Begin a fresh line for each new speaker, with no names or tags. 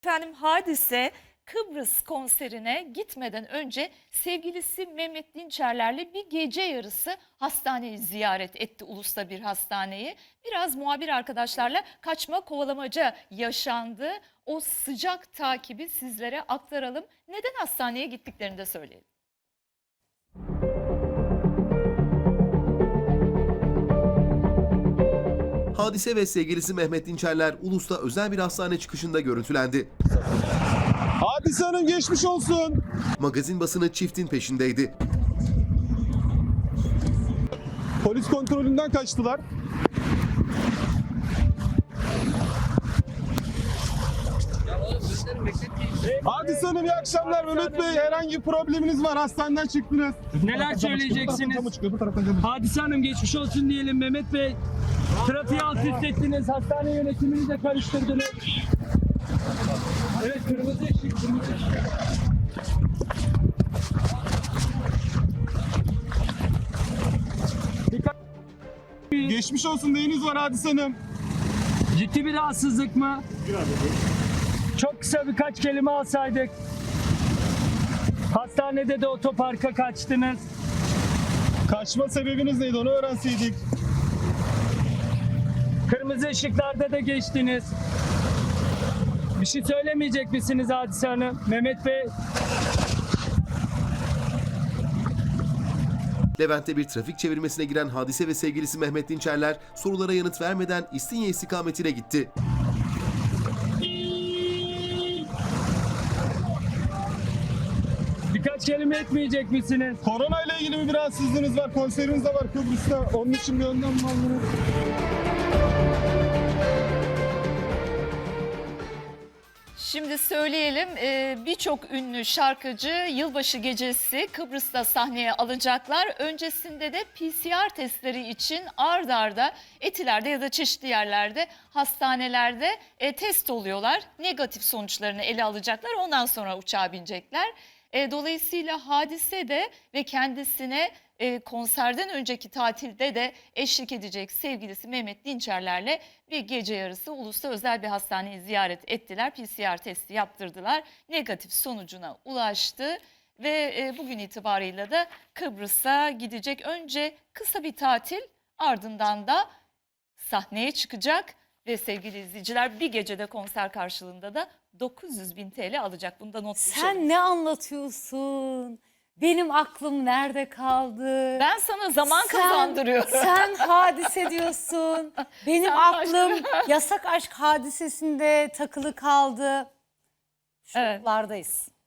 Efendim Hadise Kıbrıs konserine gitmeden önce sevgilisi Mehmet Dinçerler'le bir gece yarısı hastaneyi ziyaret etti, ulus'ta bir hastaneyi. Biraz muhabir arkadaşlarla kaçma kovalamaca yaşandı. O sıcak takibi sizlere aktaralım. Neden hastaneye gittiklerini de söyleyelim.
Hadise ve sevgilisi Mehmet Dinçerler Ulus'ta özel bir hastane çıkışında görüntülendi.
Hadise Hanım geçmiş olsun.
Magazin basını çiftin peşindeydi.
Polis kontrolünden kaçtılar. Hadise Hanım iyi akşamlar. Mehmet Bey herhangi bir probleminiz var. Hastaneden çıktınız.
Neler söyleyeceksiniz? Hadise Hanım geçmiş olsun diyelim Mehmet Bey. Trafiği alt üst ettiniz, hastane yönetimini de karıştırdınız. Evet, kırmızı ışık, kırmızı ışık.
Geçmiş olsun, neyiniz var Hadise Hanım?
Ciddi bir rahatsızlık mı? Çok kısa birkaç kelime alsaydık. Hastanede de otoparka kaçtınız.
Kaçma sebebiniz neydi, onu öğrenseydik.
Kırmızı ışıklarda da geçtiniz. Bir şey söylemeyecek misiniz Hadise Hanım? Mehmet Bey.
Levent'te bir trafik çevirmesine giren Hadise ve sevgilisi Mehmet Dinçerler sorulara yanıt vermeden İstinye istikametine gitti.
Birkaç kelime etmeyecek misiniz?
Korona ile ilgili bir rahatsızlığınız var. Konseriniz de var Kıbrıs'ta. Onun için bir önlem mi aldınız?
Şimdi söyleyelim, birçok ünlü şarkıcı yılbaşı gecesi Kıbrıs'ta sahneye alacaklar. Öncesinde de PCR testleri için ard arda Etiler'de ya da çeşitli yerlerde, hastanelerde test oluyorlar. Negatif sonuçlarını ele alacaklar, ondan sonra uçağa binecekler. Dolayısıyla Hadise de ve kendisine konserden önceki tatilde de eşlik edecek sevgilisi Mehmet Dinçerler'le bir gece yarısı Ulus'ta özel bir hastaneyi ziyaret ettiler. PCR testi yaptırdılar. Negatif sonucuna ulaştı ve bugün itibarıyla da Kıbrıs'a gidecek. Önce kısa bir tatil, ardından da sahneye çıkacak ve sevgili izleyiciler bir gecede konser karşılığında da 900.000 TL alacak. Bunu da not düşelim.
Sen ne anlatıyorsun? Benim aklım nerede kaldı?
Ben sana zaman kazandırıyorum.
Sen Hadise diyorsun. Benim
Sen
aklım
başka.
yasak aşk hadisesinde takılı kaldı.
Evet.
Şoklardayız.